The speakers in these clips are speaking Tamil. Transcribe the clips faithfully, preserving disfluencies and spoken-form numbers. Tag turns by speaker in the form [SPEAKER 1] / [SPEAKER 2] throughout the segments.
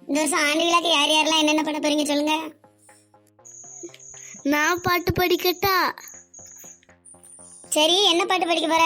[SPEAKER 1] இந்த வருஷம் ஆண்டு விழாக்கு யார் யாரெல்லாம் என்னென்ன பண்ண போறீங்க சொல்லுங்க.
[SPEAKER 2] நான் பாட்டு படிக்கட்டா?
[SPEAKER 1] சரி, என்ன பாட்டு படிக்க போற?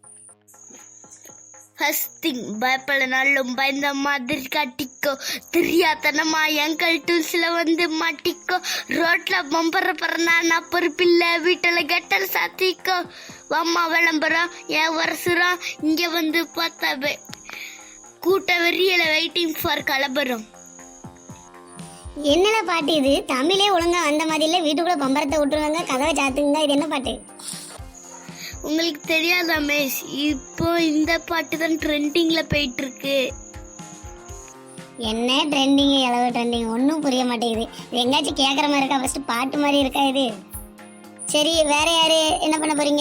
[SPEAKER 2] ஃபர்ஸ்ட் திங், பயப்படனாலும் பயந்த மாதிரி காட்டிக்கோ, தெரியாதனமா எங்கள் டூல்ஸ்ல வந்து மாட்டிக்கோ, ரோட்ல பம்பர பறனா நான் பொறுப்பில்ல, வீட்டுல கெட்டல் சாத்திக்கோ, அம்மா விளம்பரம் என் வருஷம் இங்க வந்து பார்த்தாவே கூட்ட வெறியல வெயிட்டிங் ஃபார் கலபரம்.
[SPEAKER 1] என்னடா பாட்டு இது? தமிழே ஒழுங்கா வந்த மாதிரி இல்ல, வீட்டுக்குள்ள பம்பரத்தை விட்டுருவாங்க, கதவை சாத்துங்க. இது என்ன பாட்டு?
[SPEAKER 2] உங்களுக்கு தெரியாதா மேஷ், இப்போ இந்த பாட்டு தான் ட்ரெண்டிங்ல போயிட்டு இருக்கு.
[SPEAKER 1] என்ன ட்ரெண்டிங், எவ்வளவு ட்ரெண்டிங், ஒன்றும் புரிய மாட்டேங்குது. இது எங்காச்சும் கேட்குற மாதிரி இருக்கா? ஃபர்ஸ்ட் பாட்டு மாதிரி இருக்கா இது? சரி, வேற யாரு என்ன பண்ண போறீங்க?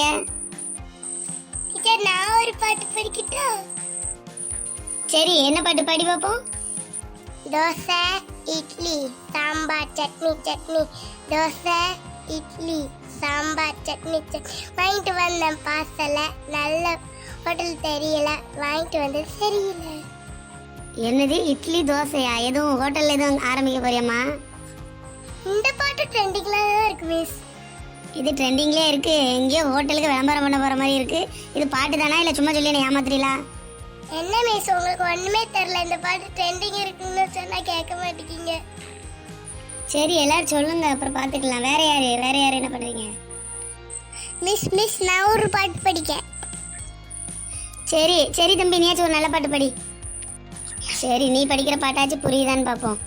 [SPEAKER 2] நான் ஒரு பாட்டு படிக்கிட்டா?
[SPEAKER 1] சரி, என்ன பாட்டு பாடி பார்ப்போம்.
[SPEAKER 2] தோசை இட்லி சாம்பார் சட்னி சட்னி, தோசை இட்லி சாம்பார் சட்னி சட்னி, வாங்கிட்டு வந்தேன் பார்சல, நல்ல ஹோட்டல் தெரியல, வாங்கிட்டு வந்தது சரியில்லை.
[SPEAKER 1] என்னது இட்லி தோசையா? எதுவும் ஹோட்டல்ல எதுவும் ஆரம்பிக்க போறியம்மா?
[SPEAKER 2] இந்த பாட்டு ட்ரெண்டிங்ல தான் இருக்கு மிஸ்.
[SPEAKER 1] இது ட்ரெண்டிங்லேயே இருக்கு, எங்கேயோ ஹோட்டலுக்கு விளம்பரம் பண்ண போற மாதிரி இருக்கு. இது பாட்டு தானா இல்லை சும்மா சொல்லி என்ன ஏமாத்துறீங்களா?
[SPEAKER 2] என்ன மிஸ், உங்களுக்கு ஒண்ணுமே தெரியல, இந்த பாட்டு ட்ரெண்டிங் இருக்குன்னு சொன்னா கேட்க மாட்டேங்க.
[SPEAKER 1] சரி, எல்லாரும் சொல்லுங்க, அப்புறம் பார்த்துக்கலாம். வேற யாரு வேற யாரு என்ன பண்றீங்க?
[SPEAKER 2] மிஸ் மிஸ் நான் ஒரு பாட்டு படிக்க.
[SPEAKER 1] சரி சரி தம்பி, நீயாச்சும் ஒரு நல்ல பாட்டு படி. சரி, நீ படிக்கிற பாட்டாச்சும் புரியுதான்னு பார்ப்போம்.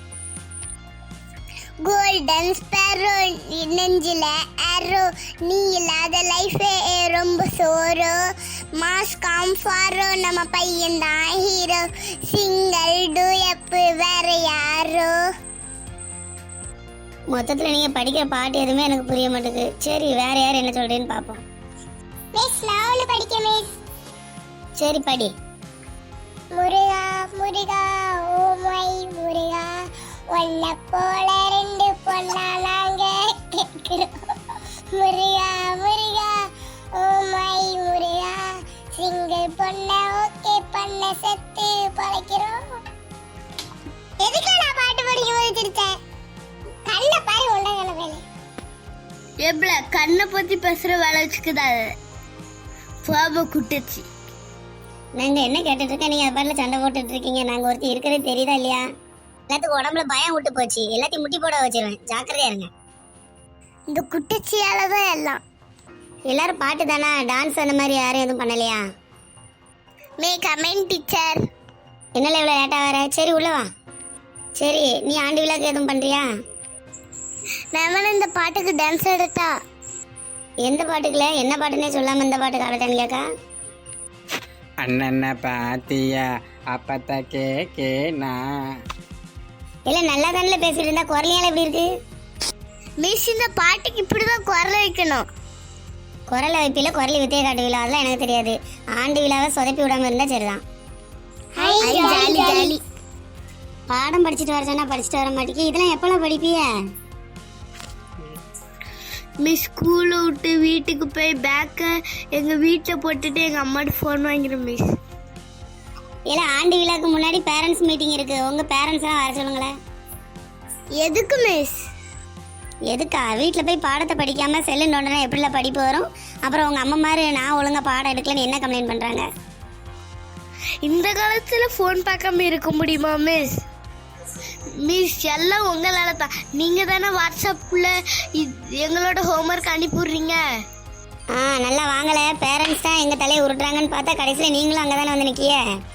[SPEAKER 2] கோல்டன் ஸ்பேரோ நெஞ்சில ஆரோ, நீ இல்லாத லைஃபே ரொம்ப சோரோ, மாஸ் காம்ஃபாரோ நம்ம பையன் தான் ஹீரோ, சிங்கிள் டூயப்பு வேற யாரோ.
[SPEAKER 1] மொத்தத்தில் நீங்க படிக்கிற பாட்டு எதுவுமே எனக்கு புரிய மாட்டேங்குது. சரி, வேற யார் என்ன சொல்றேன்னு பார்ப்போம்.
[SPEAKER 2] மிஸ் நான் ஒன்று படிக்க மிஸ்.
[SPEAKER 1] சரி படி.
[SPEAKER 2] முருகா முருகா ஓ மை முருகா, ஒன்ன போல ரெண்டு பொண்ணா நாங்க கேட்கிறோம், Muruga Muruga oh my Muruga, single பொண்ண ஓகே பண்ண செத்து பழைக்கிறோம். எதுக்கு நான் பாட்டு படிக்கும் போது சிரிச்சேன்? கண்ணை பாரு, உண்டகான வேலை எப்பல கண்ணை பத்தி பேசுற வேலை வச்சுக்குதா பாபா குட்டச்சி.
[SPEAKER 1] நாங்க என்ன கேட்டுட்டு இருக்கேன், நீங்க அது பாட்டுல சண்டை போட்டுட்டு இருக்கீங்க. நாங்க ஒருத்தி இருக்கிறது தெரியுதா இல்லையா? எல்லாத்துக்கும் உடம்புல பயம் விட்டு போச்சு, எல்லாத்தையும் முட்டி போட வச்சிருவேன், ஜாக்கிரதையா இருங்க.
[SPEAKER 2] இந்த குட்டச்சியால தான் எல்லாம்.
[SPEAKER 1] எல்லாரும் பாட்டு தானா, டான்ஸ் அந்த மாதிரி யாரும் எதுவும் பண்ணலையா?
[SPEAKER 2] May come in teacher.
[SPEAKER 1] என்னால இவ்வளோ லேட்டா வர? சரி உள்ள வா. சரி, நீ ஆண்டு விழாக்கு எதுவும் பண்றியா?
[SPEAKER 2] மேமன் இந்த பாட்டுக்கு டான்ஸ் எடுத்தா?
[SPEAKER 1] எந்த பாட்டுக்குல? என்ன பாட்டுன்னே சொல்லாம இந்த பாட்டுக்கு ஆடட்டான்னு கேக்கா?
[SPEAKER 3] அண்ணன பாத்தியா அப்பத்த கேக்கேனா.
[SPEAKER 1] இல்ல நல்லா தானே பேசிட்டு இருந்தா, குரலையால எப்படி இருக்கு?
[SPEAKER 2] மிஸ் இந்த பாட்டுக்கு இப்படிதான் குரல் வைக்கணும்.
[SPEAKER 1] குரலை வைப்பில குரலி வித்தைய காட்டுவீங்களா? அதெல்லாம் எனக்கு தெரியாது. ஆண்டு விழாவை சொதப்பி விடாம இருந்தா சரிதான்.
[SPEAKER 2] Jolly jolly.
[SPEAKER 1] பாடம் படிச்சுட்டு வர சொன்னா படிச்சுட்டு வர மாட்டேங்க. இதெல்லாம் எப்பெல்லாம் படிப்பிய?
[SPEAKER 2] மிஸ் ஸ்கூலை விட்டு வீட்டுக்கு போய் பேக்கை எங்கள் வீட்டில் போட்டுட்டு எங்கள் அம்மாட்ட ஃபோன் வாங்கிறேன் மிஸ்.
[SPEAKER 1] இல்ல ஆண்டு விழாக்கு முன்னாடி பேரண்ட்ஸ் மீட்டிங் இருக்கு, உங்க பேரண்ட்ஸ் எல்லாம் வர சொல்லுங்களேன்.
[SPEAKER 2] எதுக்கு மிஸ்?
[SPEAKER 1] எதுக்கா? வீட்டில் போய் பாடத்தை படிக்காம செல்லு நோண்டனா எப்படில படிப்பு வரும்? அப்புறம் உங்க அம்மா மாதிரி நான் ஒழுங்கா பாடம் எடுக்கலன்னு என்ன கம்ப்ளைண்ட் பண்றாங்க?
[SPEAKER 2] இந்த காலத்தில் ஃபோன் பார்க்காம இருக்க முடியுமா மிஸ்? மிஸ் எல்லாம் உங்களால தான். நீங்கள் தானே வாட்ஸ்அப்பில் எங்களோட ஹோம்ஒர்க் அனுப்பிடுறீங்க.
[SPEAKER 1] ஆ நல்லா வாங்கலை, பேரண்ட்ஸ் தான் எங்கள் தலையை உருட்டுறாங்கன்னு பார்த்தா கடைசியில் நீங்களும் அங்கே தானே வந்து நிற்கிய.